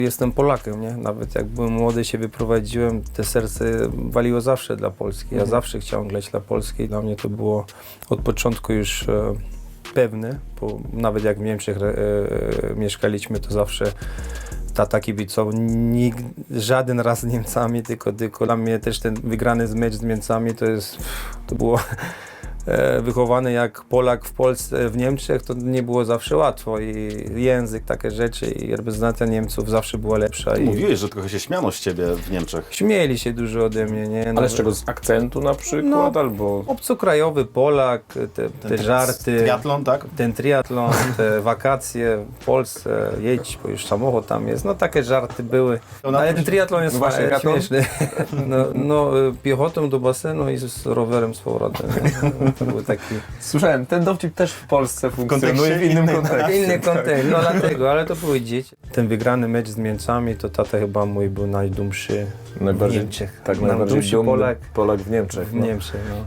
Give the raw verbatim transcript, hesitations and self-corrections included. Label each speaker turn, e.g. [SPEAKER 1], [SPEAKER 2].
[SPEAKER 1] Jestem Polakiem, nie? Nawet jak byłem młody, się wyprowadziłem, te serce waliło zawsze dla Polski. Ja
[SPEAKER 2] Mhm.
[SPEAKER 1] zawsze chciałem grać dla Polski. Dla mnie to było od początku już e, pewne, bo nawet jak w Niemczech e, e, mieszkaliśmy, to zawsze tata kibicował. Nikt, żaden raz z Niemcami, tylko, tylko dla mnie też ten wygrany mecz z Niemcami to jest, to było e, wychowany jak Polak w Polsce, w Niemczech, to nie było zawsze łatwo i język, takie rzeczy i reprezentacja Niemców zawsze była lepsza.
[SPEAKER 2] Ty
[SPEAKER 1] I
[SPEAKER 2] mówiłeś, że trochę się śmiano z ciebie w Niemczech.
[SPEAKER 1] śmieli się dużo ode mnie, nie?
[SPEAKER 3] Ale
[SPEAKER 1] Nawet
[SPEAKER 3] z czego? Z akcentu na przykład?
[SPEAKER 1] No,
[SPEAKER 3] albo...
[SPEAKER 1] obcokrajowy Polak, te, te żarty,
[SPEAKER 2] Triatlon, tak?
[SPEAKER 1] ten triatlon, te wakacje w Polsce, jedź, bo już samochód tam jest, no takie żarty były.
[SPEAKER 2] To na
[SPEAKER 1] Ale
[SPEAKER 2] to
[SPEAKER 1] ten
[SPEAKER 2] się-
[SPEAKER 1] triatlon jest
[SPEAKER 3] No właśnie,
[SPEAKER 1] fajny,
[SPEAKER 3] triatlon?
[SPEAKER 1] śmieszny. No, no, piechotą do basenu i z rowerem z powrotem. nie? To był taki
[SPEAKER 3] Słyszałem, ten dowcip też w Polsce funkcjonuje
[SPEAKER 2] kontekście
[SPEAKER 3] w innym
[SPEAKER 2] innym,
[SPEAKER 3] kontekście.
[SPEAKER 1] inny kontekst, no dlatego, ale to były dzieci. Ten wygrany mecz z Niemcami, to tata chyba mój był najdumszy w
[SPEAKER 3] Najbardziej,
[SPEAKER 1] Niemczech.
[SPEAKER 3] tak, najbardziej
[SPEAKER 1] Najdumszy
[SPEAKER 3] dumny
[SPEAKER 1] Polak
[SPEAKER 3] Polak w Niemczech.
[SPEAKER 1] w
[SPEAKER 3] no.
[SPEAKER 1] Niemczech. No.